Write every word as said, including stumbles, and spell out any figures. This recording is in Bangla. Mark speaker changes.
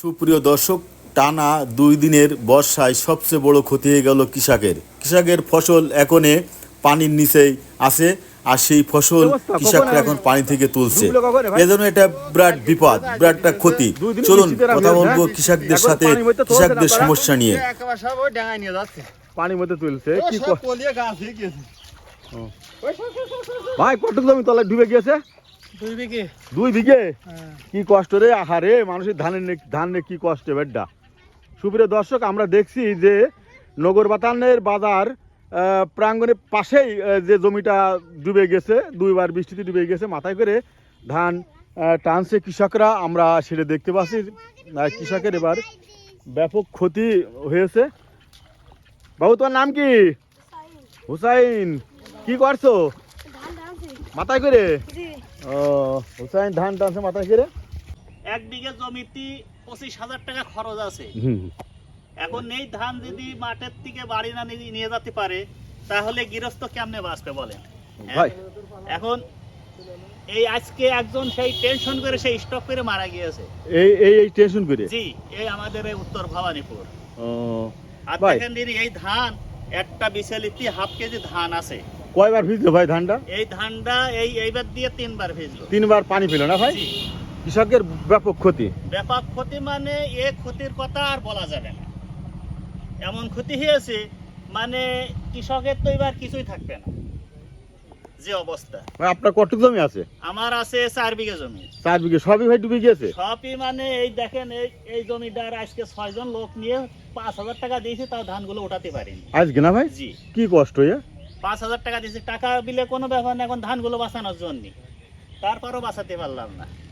Speaker 1: সুপ্রিয় দর্শক, টানা দুই দিনের বর্ষায় সবচেয়ে বড় ক্ষতি হয়ে গেল কৃষকের কৃষকের ফসল এখনে পানির নিচেই আছে, আর সেই ফসল কৃষকরা এখন পানি থেকে তুলছে। এজন্য এটা বিরাট বিপদ, বিরাট একটা ক্ষতি। চলুন কথা বলবো কৃষকদের সাথে, কৃষকদের সমস্যা নিয়ে।
Speaker 2: পানির মধ্যে তুলছে কি ভাই, কতটুকু জমি তলায় ডুবে গিয়েছে?
Speaker 3: দুই বিঘে।
Speaker 2: দুই বিঘে? কি কষ্ট রে, আহারে মানুষের ধানের ধান কি কষ্ট বেড্ডা। সুপ্রিয় দর্শক, আমরা দেখছি যে নগর বাতানের বাজার প্রাঙ্গণের পাশেই যে জমিটা ডুবে গেছে, দুইবার বৃষ্টিতে ডুবে গেছে, মাথায় করে ধান টানছে কৃষকরা। আমরা সেটা দেখতে পাচ্ছি, কৃষকের এবার ব্যাপক ক্ষতি হয়েছে। বাবু, তোমার নাম কি? হুসাইন। কি করছো? মাথায় করে? ও, হুসাইন ধান টানছে মাথায় করে।
Speaker 3: এক বিঘা জমিতে পঁচিশ হাজার টাকা খরচ আছে। এখন এই ধান যদি মাঠের থেকে বাড়ি না নিয়ে যেতে পারে, তাহলে গৃহস্থ কেমনে বাঁচবে বলেন ভাই? এখন এই আজকে একজন সেই টেনশন করে সেই স্টক করে মারা গিয়েছে।
Speaker 2: এই এই এই টেনশন করে? জি,
Speaker 3: এই আমাদের এই উত্তর ভবানীপুর।
Speaker 2: ও
Speaker 3: আর দেখেন দিদি, এই ধান একটা বিশালিতি হাফ কেজি ধান আছে।
Speaker 2: কয়বার ভিজলো ভাই ধানটা?
Speaker 3: এই ধানটা এই এইবার দিয়ে তিনবার ভিজলো।
Speaker 2: তিনবার পানি পেল না ভাই? কৃষকের ব্যাপক ক্ষতি।
Speaker 3: ব্যাপক ক্ষতি মানে এ ক্ষতির কথা আর বলা যাবে না, এমন ক্ষতি হয়েছে মানে কৃষকের তো এবার কিছুই থাকবে না যে অবস্থা।
Speaker 2: আপনার কতটুকু জমি আছে?
Speaker 3: আমার আছে চার বিঘা জমি।
Speaker 2: চার বিঘে সবই ভাই ডুবে গিয়েছে?
Speaker 3: সবই মানে এই দেখেন, এই এই জমিটার আজকে ছয় জন লোক নিয়ে পাঁচ হাজার টাকা দিয়েছি, তাও ধানগুলো উঠাতে পারিনি
Speaker 2: আজকে না ভাই?
Speaker 3: জি।
Speaker 2: কি কষ্ট ইয়া?
Speaker 3: পাঁচ হাজার টাকা দিয়েছি, টাকা দিলে কোনো ব্যাপার না, এখন ধানগুলো বাঁচানোর জন্য, তারপরও বাঁচাতে পারলাম না।